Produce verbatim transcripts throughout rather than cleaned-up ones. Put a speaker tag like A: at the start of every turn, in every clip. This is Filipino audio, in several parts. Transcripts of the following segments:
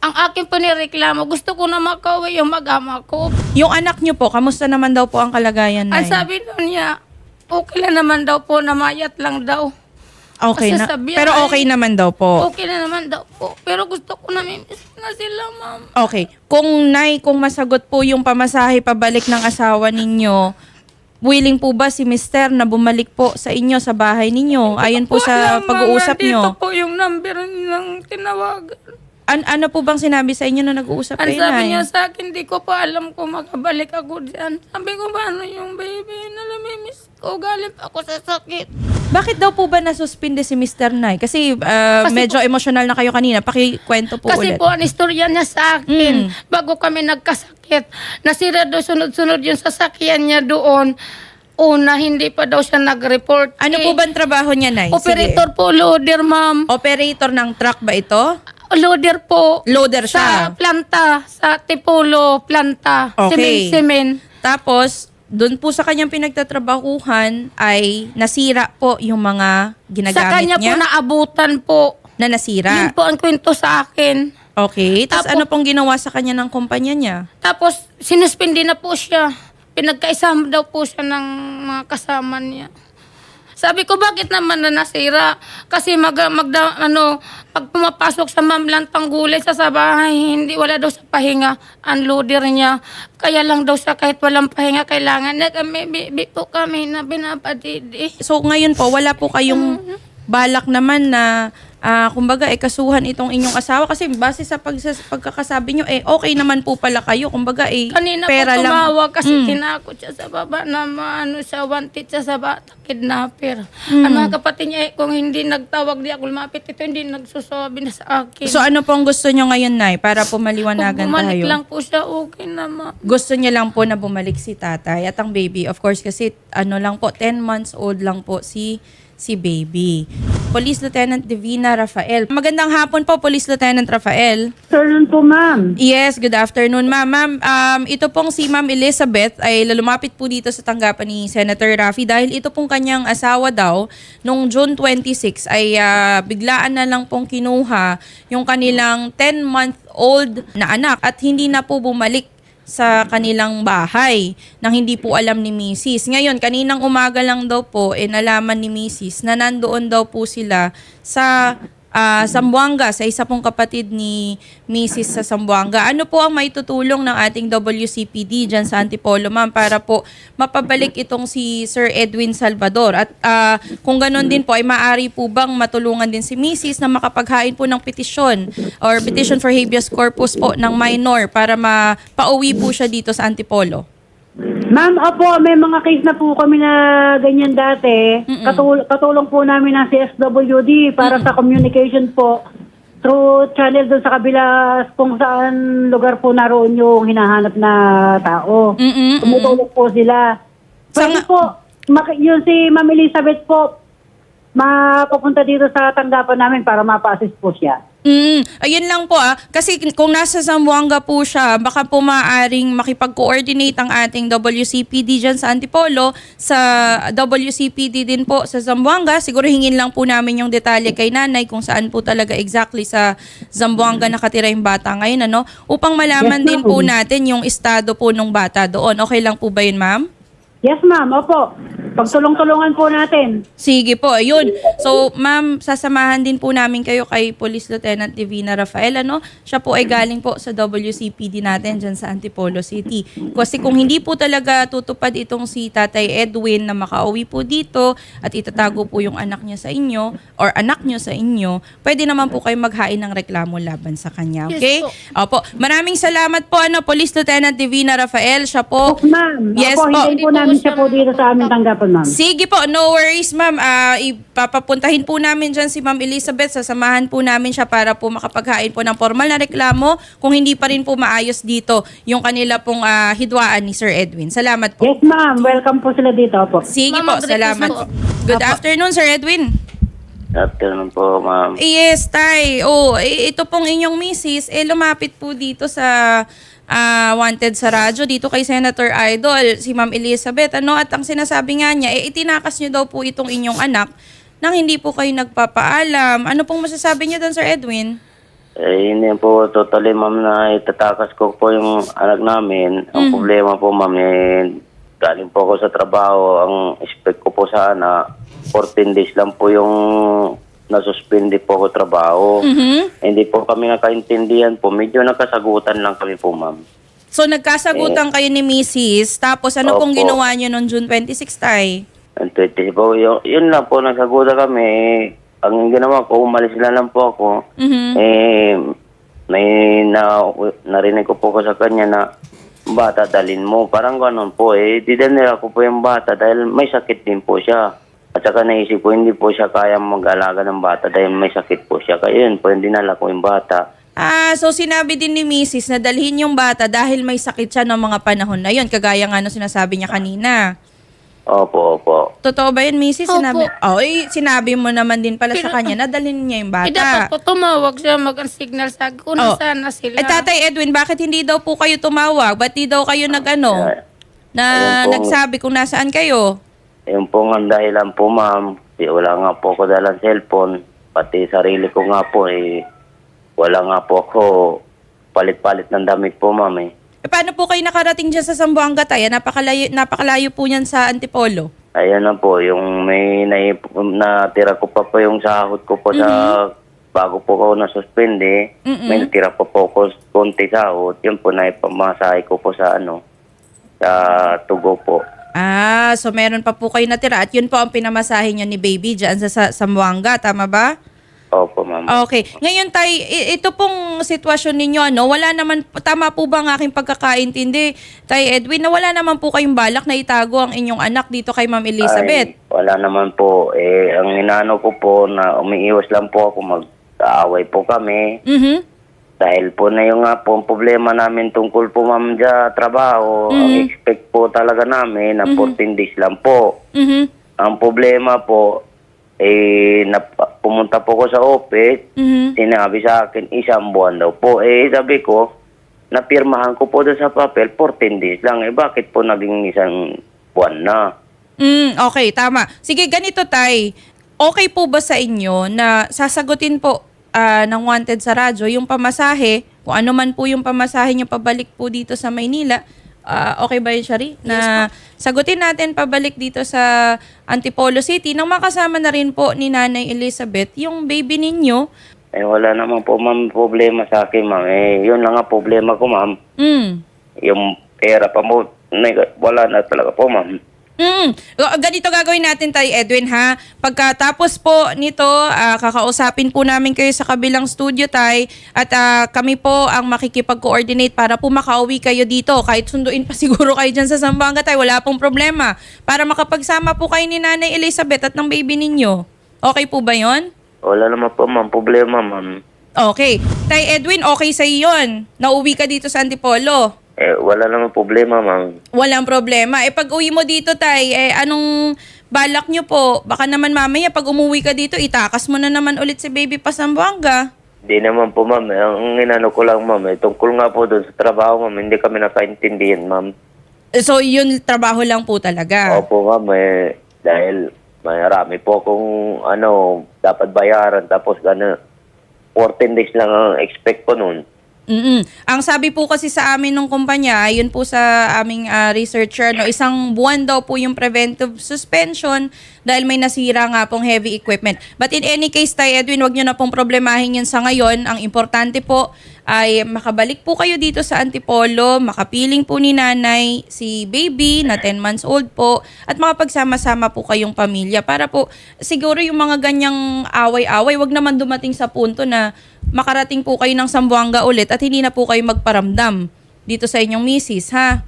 A: Ang akin po nireklamo, gusto ko na makauwi yung mag-ama ko.
B: Yung anak niyo po, kamusta naman daw po ang kalagayan,
A: Ang
B: Nay?
A: sabi nun niya, okay lang naman daw po, namayat lang daw.
B: Okay na.
A: Kasi sabi
B: Pero
A: ay-
B: okay naman daw po.
A: Okay na naman daw po. Pero gusto ko na miss na sila, ma'am.
B: Okay. Kung Nay, kung masagot po yung pamasahe pabalik ng asawa ninyo, willing po ba si Mister na bumalik po sa inyo, sa bahay ninyo? Ayon po sa
A: Wala,
B: pag-uusap
A: ma'am. Dito
B: nyo.
A: po yung number ng tinawagan.
B: An ano po bang sinabi sa inyo nung nag-uusap
A: Ang
B: kayo,
A: sabi
B: Nay?
A: niya sa akin, di ko pa alam kung makabalik ako diyan. Sabi ko, paano yung baby? Nalamimiss ko, galing pa ako sa sakit.
B: Bakit daw po ba nasuspinde si Mister Nay? Kasi, ah,
A: Kasi
B: medyo emotional na kayo kanina. Pakikwento po
A: Kasi
B: ulit.
A: po, ang istorya niya sa akin,
B: Mm.
A: bago kami nagkasakit, nasira daw sunod-sunod yung sasakyan niya doon. Una, hindi pa daw siya nag-report.
B: Ano
A: Eh,
B: po ba ang trabaho niya, Nay? Sige.
A: Operator po, loader, ma'am.
B: Operator ng truck ba ito?
A: Loader po.
B: Loader
A: Sa
B: siya.
A: planta, sa Tipolo planta.
B: Okay.
A: Simen-simen.
B: Tapos, doon po sa kanyang pinagtatrabahuhan ay nasira po yung mga ginagamit
A: Sa kanya
B: niya
A: po naabutan po.
B: na
A: Yun
B: nasira.
A: po ang kwento sa akin.
B: Okay. Tapos
A: Tapos-
B: ano pong ginawa sa kanya ng kumpanya niya?
A: Tapos, sinuspindi na po siya. Pinagkaisama daw po siya ng mga kasama niya. Sabi ko, bakit naman na nasira? Kasi mag, magda, ano, pag pumapasok sa mamlantang gulay sa sa bahay, hindi, wala daw sa pahinga ang loader niya. Kaya lang daw siya kahit walang pahinga, kailangan na kami, bibi po kami na binapadidi.
B: So ngayon po, wala po kayong balak naman na ah, kumbaga eh kasuhan itong inyong asawa kasi base sa pag, pagkakasabi nyo eh okay naman po pala kayo. Kumbaga eh
A: Kanina
B: pera
A: po
B: lang.
A: tumawag kasi
B: Mm.
A: tinakot siya sa baba na maano siya, wanted siya sa bata, kidnapper.
B: Mm.
A: Ang mga kapatid niya, eh, kung hindi nagtawag di ako lumapit, ito hindi nagsusabi na sa akin.
B: So ano pong gusto nyo ngayon, Nay, para po
A: Kung
B: maliwanagan
A: bumalik
B: tayo?
A: lang po siya, okay naman.
B: Gusto niya lang po na bumalik si tatay at ang baby. Of course, kasi ano lang po, ten months old lang po si si baby. Police Lieutenant Divina Rafael. Magandang hapon po, Police Lieutenant Rafael.
C: Afternoon po, ma'am.
B: Yes, good afternoon, ma'am. Ma'am, um, ito pong si Ma'am Elizabeth ay lalumapit po dito sa tanggapan ni Senator Raffy dahil ito pong kanyang asawa daw nung June twenty-six ay ah, biglaan na lang pong kinuha yung kanilang ten-month-old na anak at hindi na po bumalik sa kanilang bahay nang hindi po alam ni Missus Ngayon, kaninang umaga lang daw po, eh, nalaman ni Missus na nandoon daw po sila sa ah, Zamboanga, sa isa pong kapatid ni Missus sa Zamboanga. Ano po ang maitutulong ng ating W C P D dyan sa Antipolo, ma'am, para po mapabalik itong si Sir Edwin Salvador? At ah, kung ganun din po, ay maaari po bang matulungan din si Missus na makapaghain po ng petisyon or petition for habeas corpus po ng minor para mapauwi po siya dito sa Antipolo?
C: Ma'am, opo, may mga case na po kami na ganyan dati. Katul- katulong po namin ng C S W D para sa communication po through channel doon sa kabila kung saan lugar po naroon yung hinahanap na tao.
B: Mm-mm,
C: Tumutulong po sila.
B: Sa
C: Pwede
B: nga-
C: po, mak- yun si Ma'am Elizabeth po, mapupunta dito sa tanggapan namin para mapa-assist po siya.
B: Mm, ayun lang po ah. Kasi kung nasa Zamboanga po siya, baka po maaaring makipag-coordinate ang ating W C P D dyan sa Antipolo, sa W C P D din po sa Zamboanga. Siguro hingin lang po namin yung detalye kay nanay kung saan po talaga exactly sa Zamboanga nakatira yung bata ngayon, ano? Upang malaman
C: Yes,
B: din
C: ma'am.
B: po natin yung estado po ng bata doon. Okay lang po ba yun, ma'am?
C: Yes, ma'am, opo. Pagtulong-tulungan po natin.
B: Sige po, ayun. So, ma'am, sasamahan din po namin kayo kay Police Lieutenant Divina Rafael, ano? Siya po ay galing po sa W C P D natin dyan sa Antipolo City. Kasi kung hindi po talaga tutupad itong si Tatay Edwin na makauwi po dito at itatago po yung anak niya sa inyo or anak niyo sa inyo, pwede naman po kayo maghain ng reklamo laban sa kanya, okay?
A: Yes
B: Opo. Maraming salamat po, ano, Police Lieutenant Divina Rafael. Siya po.
C: Opo, ma'am.
B: Yes
C: Opo,
B: po.
C: hindi po namin siya po dito sa aming tanggapan, ma'am.
B: Sige po, no worries, ma'am. Ah, ipapapuntahin po namin dyan si Ma'am Elizabeth. Sasamahan po namin siya para po makapaghain po ng formal na reklamo kung hindi pa rin po maayos dito yung kanila pong ah, hidwaan ni Sir Edwin. Salamat po.
C: Yes, ma'am. Welcome po sila dito, opo.
B: Sige
A: Ma'am,
B: po,
A: mag-request
B: salamat.
A: po.
B: Good afternoon, Sir Edwin.
D: Afternoon po, ma'am.
B: Yes, Tay. Oh, eh, ito pong inyong misis, eh, lumapit po dito sa ah, wanted sa radyo, dito kay Senator Idol, si Ma'am Elizabeth. Ano, at ang sinasabi nga niya, eh, itinakas niyo daw po itong inyong anak nang hindi po kayo nagpapaalam. Ano pong masasabi niyo doon, Sir Edwin?
D: Eh, hindi po totally, ma'am, na itatakas ko po yung anak namin. Ang problema po, ma'am, eh, galing po ako sa trabaho. Ang expect ko po sana, fourteen days lang po yung nasuspindi po ako trabaho.
B: Mhm.
D: Hindi po kami nakaintindihan po. Medyo nakasagutan lang kami po, ma'am.
B: So nagkasagutan kayo ni Missus Tapos ano pong
D: Opo.
B: ginawa niyo noong June twenty-six, tay?
D: Ang twenty po, yun, yun lang po, nagsagutan kami. Ang ginawa ko, umalis na lang po ako.
B: Mhm.
D: Eh, may na, narinig ko po ko sa kanya na, bata, dalin mo. Parang ganun po eh. Didanira ko po yung bata dahil may sakit din po siya. At saka naisip ko, hindi po siya kaya mag-alaga ng bata dahil may sakit po siya. Kaya yun po, hindi nala ko yung bata.
B: Ah, so sinabi din ni Missus na dalhin yung bata dahil may sakit siya ng mga panahon na yun, kagaya nga nung sinasabi niya kanina.
D: Opo, opo.
B: Totoo ba yun, Missus?
A: Opo.
B: Sinabi, oh, eh, sinabi mo naman din pala sa
A: Pero-
B: kanya na dalhin niya yung
A: Eh, dapat
B: bata.
A: po tumawag siya, mag-signal sa akin kung
B: Oh.
A: nasaan na sila.
B: Eh, Tatay Edwin, bakit hindi daw po kayo tumawag? Ba't di daw kayo nag-ano?
D: Ay,
B: Na
D: Ayun po.
B: nagsabi kung nasaan kayo?
D: Yun po nga ang dahilan po, ma'am. Di, wala nga po ako dalang cellphone. Pati sarili ko nga po, eh, wala nga po ako palit-palit ng damit po, ma'am, eh.
B: Eh, paano po kayo nakarating dyan sa Zamboanga, Tay? Napakalayo, napakalayo po yan sa Antipolo.
D: Ayan na po, yung may naip- natira ko pa po yung sahod ko po sa bago po ako nasuspende.
B: Mm-mm.
D: May natira pa po ko konti sahod. Yun po, naipamasahe ko po sa ano, sa Tugo po.
B: Ah, so meron pa po kayo natira at yun po ang pinamasahe niyo ni baby dyan sa, sa Zamboanga, tama ba?
D: Opo, ma'am.
B: Okay. Ngayon, Tay, i- ito pong sitwasyon ninyo, ano, wala naman, tama po ba ang aking pagkakaintindi, Tay Edwin, na wala naman po kayong balak na itago ang inyong anak dito kay Ma'am Elizabeth?
D: Ay, wala naman po. Eh, ang inano ko po na umiiwas lang po ako, mag-aaway po kami.
B: Mhm.
D: Dahil po na yung nga po ang problema namin tungkol po, ma'am, sa trabaho. Ang expect po talaga namin na fourteen days lang po.
B: Mhm.
D: Ang problema po, eh, nap- pumunta po ko sa office,
B: Mhm.
D: sinabi sa akin, isang buwan daw po. Eh, sabi ko, napirmahan ko po doon sa papel, fourteen days lang. Eh, bakit po naging isang buwan na?
B: Mm, okay, tama. Sige, ganito, Tay. Okay po ba sa inyo na sasagutin po ah, ng wanted sa radyo yung pamasahe, kung ano man po yung pamasahe nyo pabalik po dito sa Maynila, ah, okay ba yun, Shari? Na sagutin natin pabalik dito sa Antipolo City nang makasama na rin po ni Nanay Elizabeth yung baby ninyo.
D: Eh, wala naman po, ma'am, problema sa akin, ma'am. Eh, yun lang nga problema ko, ma'am.
B: Mm.
D: Yung pera pa mo, neg- wala na talaga po, ma'am.
B: Mm. O, ganito gagawin natin, Tay Edwin, ha? Pagkatapos po nito, ah, kakausapin po namin kayo sa kabilang studio, Tay, at ah, kami po ang makikipag-coordinate para po makauwi kayo dito. Kahit sunduin pa siguro kayo dyan sa Zamboanga, Tay, wala pong problema. Para makapagsama po kayo ni Nanay Elizabeth at ng baby ninyo. Okay po ba yon?
D: Wala naman po, ma'am, problema, ma'am.
B: Okay. Tay Edwin, okay sa yon. Nauwi ka dito sa Antipolo.
D: Eh, wala naman problema, ma'am.
B: Walang problema. Eh, pag uwi mo dito, Tay, eh, anong balak nyo po? Baka naman mamaya, pag umuwi ka dito, itakas mo na naman ulit si baby pa Zamboanga.
D: Di naman po, ma'am. Eh, Ang inano ko lang, ma'am, eh, tungkol nga po doon sa trabaho, ma'am, hindi kami nakaintindihan, ma'am.
B: Eh, So, yun, trabaho lang po talaga.
D: Opo, ma'am, eh, dahil marami po akong, ano, dapat bayaran, tapos gano'n, fourteen days lang ang expect ko noon.
B: Mm-mm. Ang sabi po kasi sa amin ng kumpanya, yun po sa aming ah, researcher, no, isang buwan daw po yung preventive suspension dahil may nasira nga pong heavy equipment. But in any case, Tay Edwin, wag nyo na pong problemahin yun sa ngayon. Ang importante po ay makabalik po kayo dito sa Antipolo, makapiling po ni nanay si baby na ten months old po at makapagsama-sama po kayong pamilya para po siguro yung mga ganyang away-away, wag naman dumating sa punto na makarating po kayo ng Zamboanga ulit at hindi na po kayo magparamdam dito sa inyong misis, ha?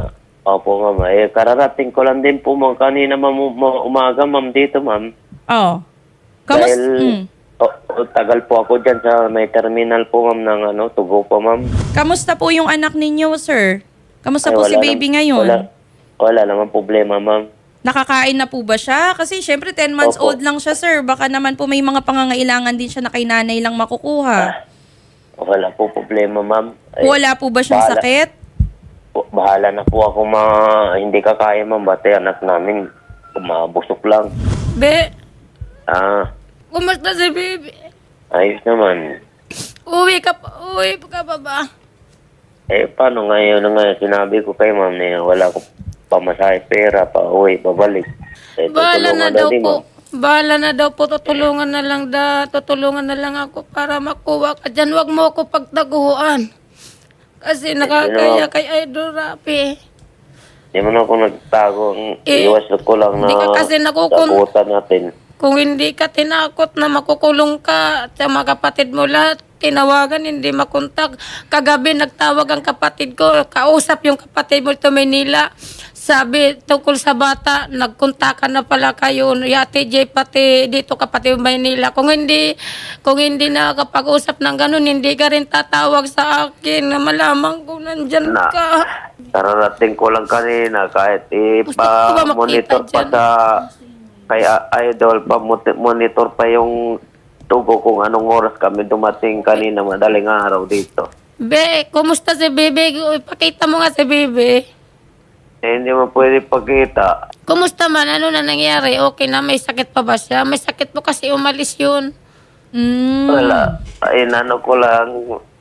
D: Opo, ma'am. Eh, kararating ko lang din po, ma'am, kanina, ma'am, um- umaga, ma'am, dito, ma'am.
B: Oo. Kamus-
D: Dahil,
B: mm.
D: o- o, tagal po ako dyan sa may terminal po, ma'am, ng ano, Tugo po, ma'am.
B: Kamusta po yung anak ninyo, sir? Kamusta
D: Ay,
B: po si
D: wala
B: baby
D: nam-
B: ngayon?
D: Wala, wala naman problema, ma'am.
B: Nakakain na po ba siya? Kasi syempre ten months
D: Opo.
B: old lang siya, sir. Baka naman po may mga pangangailangan din siya na kay nanay lang makukuha.
D: Wala po problema, ma'am. Eh,
B: Wala po ba siyang
D: bahala-
B: sakit?
D: po- Bahala na po ako, ma hindi kakaya, ma'am. Bate, anak namin, umabusok lang.
A: Be,
D: Ah,
A: kumusta si baby?
D: ayos naman.
A: Uwi ka pa, uwi ka pa ba?
D: Eh, paano ngayon na ngayon? Sinabi ko kay ma'am na wala ko pamasahe pera, pa uwi, pabalik. Eh,
A: Bahala na
D: tutulungan
A: daw
D: din,
A: po.
D: ma'am.
A: Bahala na daw po. Tutulungan na lang da. Tutulungan na lang ako para makuha ka dyan. Huwag mo ako pagtaguan. Kasi nakakaya kay Idol Rafi.
D: Hindi mo na ako nagtago.
A: Eh,
D: Iwas ko lang na
A: hindi ka kasi nakukun-
D: sagutan natin.
A: Kung hindi ka tinakot na makukulong ka at yung mga kapatid mo lahat, tinawagan, hindi makontak. Kagabi nagtawag ang kapatid ko, kausap yung kapatid mo sa Manila. Sabi, tungkol sa bata, nagkontakan na pala kayo. Yate J, pati dito kapatid mo Manila. Kung hindi, kung hindi nakakapag-usap ng ganun, hindi ka rin tatawag sa akin na malaman kung nandyan
D: Na,
A: ka.
D: kararating ko lang kanina kahit
A: Gusto ko ba
D: ipa-monitor
A: makita
D: pa
A: dyan?
D: sa kay Idol, pa-monitor pa yung tugo kung anong oras kami dumating kanina madaling araw dito.
A: Be, kumusta si Bebe? Ipakita mo nga si Bebe.
D: Eh, hindi mo pwede pagkita.
A: Kumusta man? Ano na nangyari? Okay na? May sakit pa ba siya? May sakit po kasi umalis yun.
B: Mm.
D: Wala. Ay, ano ko lang,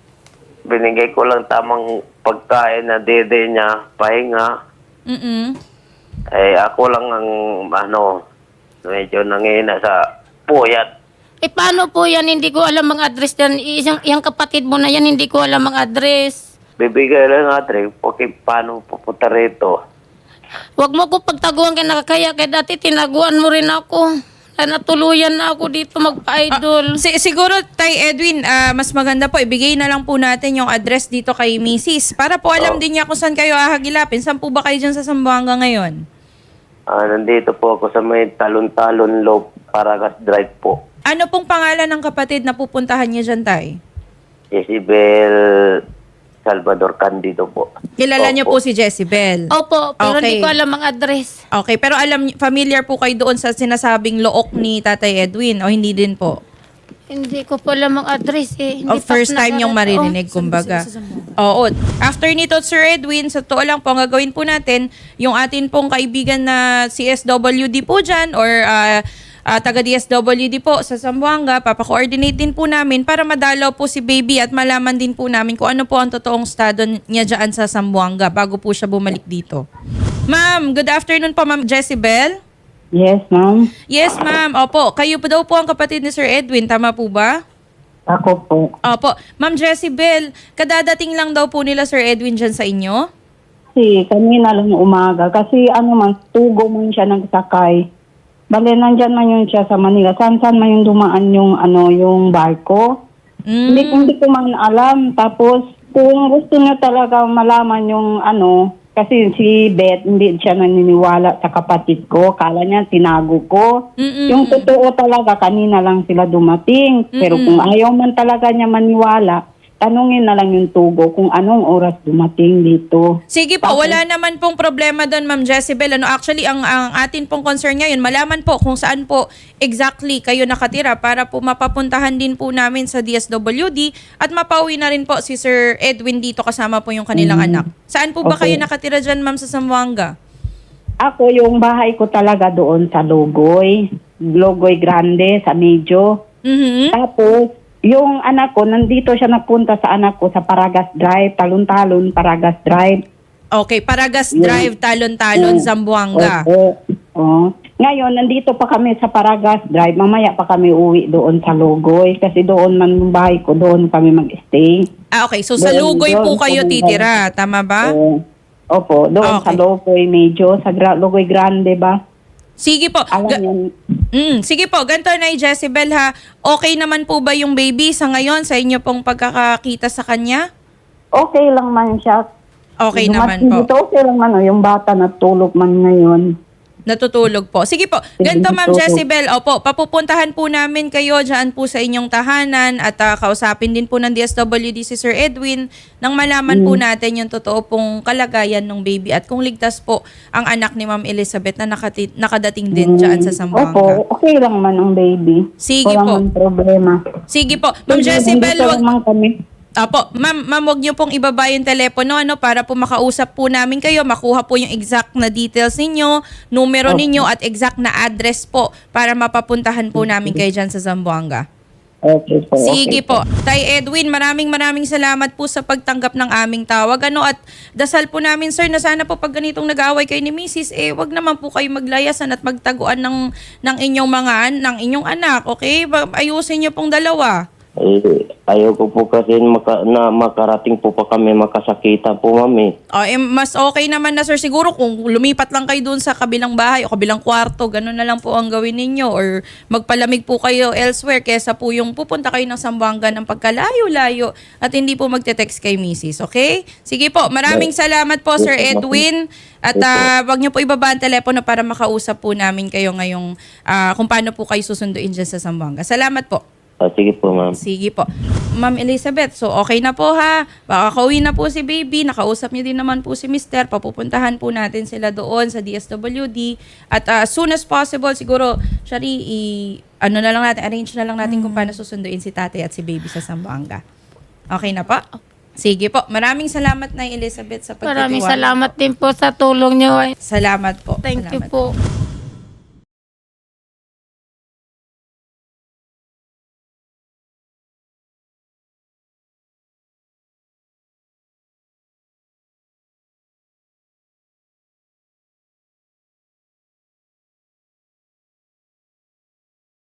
D: binigay ko lang tamang pagkain na dede niya, pahinga.
B: Mm-mm.
D: Eh, ako lang ang, ano, medyo nangihina sa puyat.
A: Eh, paano po yan? Hindi ko alam ang address yan. Isang, yung kapatid mo na yan, hindi ko alam ang address.
D: Bibigay lang natin, okay, paano pupunta rito?
A: Huwag mo ko pagtaguan kay nakakaya. Kaya dati tinaguan mo rin ako. Kaya natuluyan na ako dito magpa-idol.
B: Si- siguro, Tay Edwin, ah, mas maganda po, ibigay na lang po natin yung address dito kay Missus Para po alam
D: Oh.
B: din niya kung saan kayo ahagilapin. Saan po ba kayo dyan sa Zamboanga ngayon?
D: Ah, nandito po ako sa may talon-talon low Paragas Drive po.
B: Ano pong pangalan ng kapatid na pupuntahan niya dyan, Tay?
D: Isabel Salvador Candido po.
B: Kilala niyo
D: Opo.
B: po si Jezebel.
A: Opo, pero
B: Okay.
A: hindi ko alam ang address.
B: Okay, pero alam niyo- familiar po kayo doon sa sinasabing look ni Tatay Edwin o hindi din po?
A: Hindi ko po alam ang address eh. Hindi
B: O first
A: pa
B: time yung
A: nagara-
B: marinig, kumbaga. Oo. After nito, Sir Edwin, sa totoo lang po, ang gagawin po natin, yung atin pong kaibigan na C S W D po dyan or ah, ah, taga-D S W D po sa Zamboanga, papakoordinate din po namin para madalaw po si baby at malaman din po namin kung ano po ang totoong estado niya dyan sa Zamboanga bago po siya bumalik dito. Ma'am, good afternoon po, Ma'am Jezebel.
C: Yes, ma'am.
B: Yes, ma'am. Opo, kayo po daw po ang kapatid ni Sir Edwin, tama po ba?
C: Ako po.
B: Opo. Ma'am Jezebel, kadadating lang daw po nila Sir Edwin dyan sa inyo?
C: Kasi kanina lang umaga. Kasi ano man, tugo man siya nagsakay. Bale, nandyan man yun siya sa Manila. Saan-saan man yung dumaan yung, ano, yung barko.
B: Mm.
C: Hindi, hindi ko man alam. Tapos, kung gusto niya talaga malaman yung ano, kasi si Beth, hindi siya naniniwala sa kapatid ko. Kala niya, tinago ko.
B: Mm-mm.
C: Yung totoo talaga, kanina lang sila dumating. Pero kung ayaw man talaga niya maniwala, tanungin na lang yung tugo kung anong oras dumating dito.
B: Sige po, wala naman pong problema doon, Ma'am Jezebel. Ano, actually, ang, ang atin pong concern ngayon, malaman po kung saan po exactly kayo nakatira para po mapapuntahan din po namin sa D S W D at mapauwi na rin po si Sir Edwin dito kasama po yung kanilang anak. Saan po ba
C: Okay.
B: kayo nakatira dyan, Ma'am, sa Zamboanga?
C: Ako, yung bahay ko talaga doon sa Logoy. Logoy Grande, sa Medyo.
B: Mhm.
C: Tapos, yung anak ko, nandito siya napunta sa anak ko sa Paragas Drive, Talon-Talon, Paragas Drive.
B: Okay, Paragas Drive, Talon-Talon,
C: Mm.
B: Zamboanga.
C: Opo. Oh. Ngayon, nandito pa kami sa Paragas Drive. Mamaya pa kami uwi doon sa Logoy. Kasi doon man yung bahay ko, doon kami mag-stay.
B: Ah, okay. So, sa
C: Doon,
B: Lugoy po
C: doon,
B: kayo
C: doon,
B: titira. Tama ba?
C: Oo. Opo, doon
B: Okay.
C: sa Logoy medyo, sa Gra- Logoy Grande ba?
B: Sige po.
C: Alam
B: Ga-
C: yun.
B: Mm, sige po, ganito na Jezebel ha. Okay naman po ba yung baby sa ngayon sa inyo pong pagkakakita sa kanya?
C: Okay lang man siya.
B: Okay naman
C: Dumating
B: po.
C: Dito, okay lang man. oh, Yung bata natulog man ngayon.
B: Natutulog po. Sige po. Ganito Ma'am
C: Natutulog.
B: Jezebel, opo, papupuntahan po namin kayo dyan po sa inyong tahanan at ah, kausapin din po ng D S W D si Sir Edwin nang malaman
C: Mm.
B: po natin yung totoo pong kalagayan ng baby at kung ligtas po ang anak ni Ma'am Elizabeth na nakati- nakadating din dyan sa Zamboanga.
C: Opo, okay lang man ang baby.
B: Sige
C: Wala
B: po.
C: man problema.
B: Sige po. Ma'am
C: Hindi-
B: Jezebel,
C: hindi
B: wag,
C: naman kami.
B: Apo, ma'am, ma'am, huwag niyo pong ibaba yung telepono ano, para po makausap po namin kayo, makuha po yung exact na details ninyo, numero
C: Okay.
B: ninyo at exact na address po para mapapuntahan po namin kayo dyan sa Zamboanga.
D: Okay po.
B: Sige
D: okay
B: po. Tay Edwin, maraming maraming salamat po sa pagtanggap ng aming tawag. Ano, at dasal po namin, sir, na sana po pag ganitong nag-aaway kayo ni Missus, eh, wag naman po kayo maglayasan at magtaguan ng, ng inyong mga, ng inyong anak, okay? Ba- Ayusin niyo pong dalawa.
D: Eh, ayaw ko po kasi maka, na makarating po pa kami makasakita po, ma'am eh.
B: O, eh, mas okay naman na, sir, siguro kung lumipat lang kayo dun sa kabilang bahay o kabilang kwarto, ganun na lang po ang gawin ninyo, or magpalamig po kayo elsewhere kesa po yung pupunta kayo ng Zamboanga ng pagkalayo-layo at hindi po magte-text kay Missus, okay? Sige po, maraming salamat po, Sir Edwin, at ah, wag niyo po ibaba ang telepono para makausap po namin kayo ngayong ah, kung paano po kayo susunduin dyan sa Zamboanga. Salamat po.
D: Ah, sige po, ma'am.
B: Sige po. Ma'am Elizabeth, so okay na po ha. Baka kauwi na po si baby. Nakausap niyo din naman po si mister. Papupuntahan po natin sila doon sa D S W D. At uh, as soon as possible, siguro, Shari, i, ano na lang natin, arrange na lang natin kung paano susunduin si tatay at si baby sa Zamboanga. Okay na po? Sige po. Maraming salamat na Elizabeth sa pagtitiwala.
A: Maraming salamat din po sa tulong nyo.
B: Salamat po.
A: Thank you
B: Salamat.
A: po.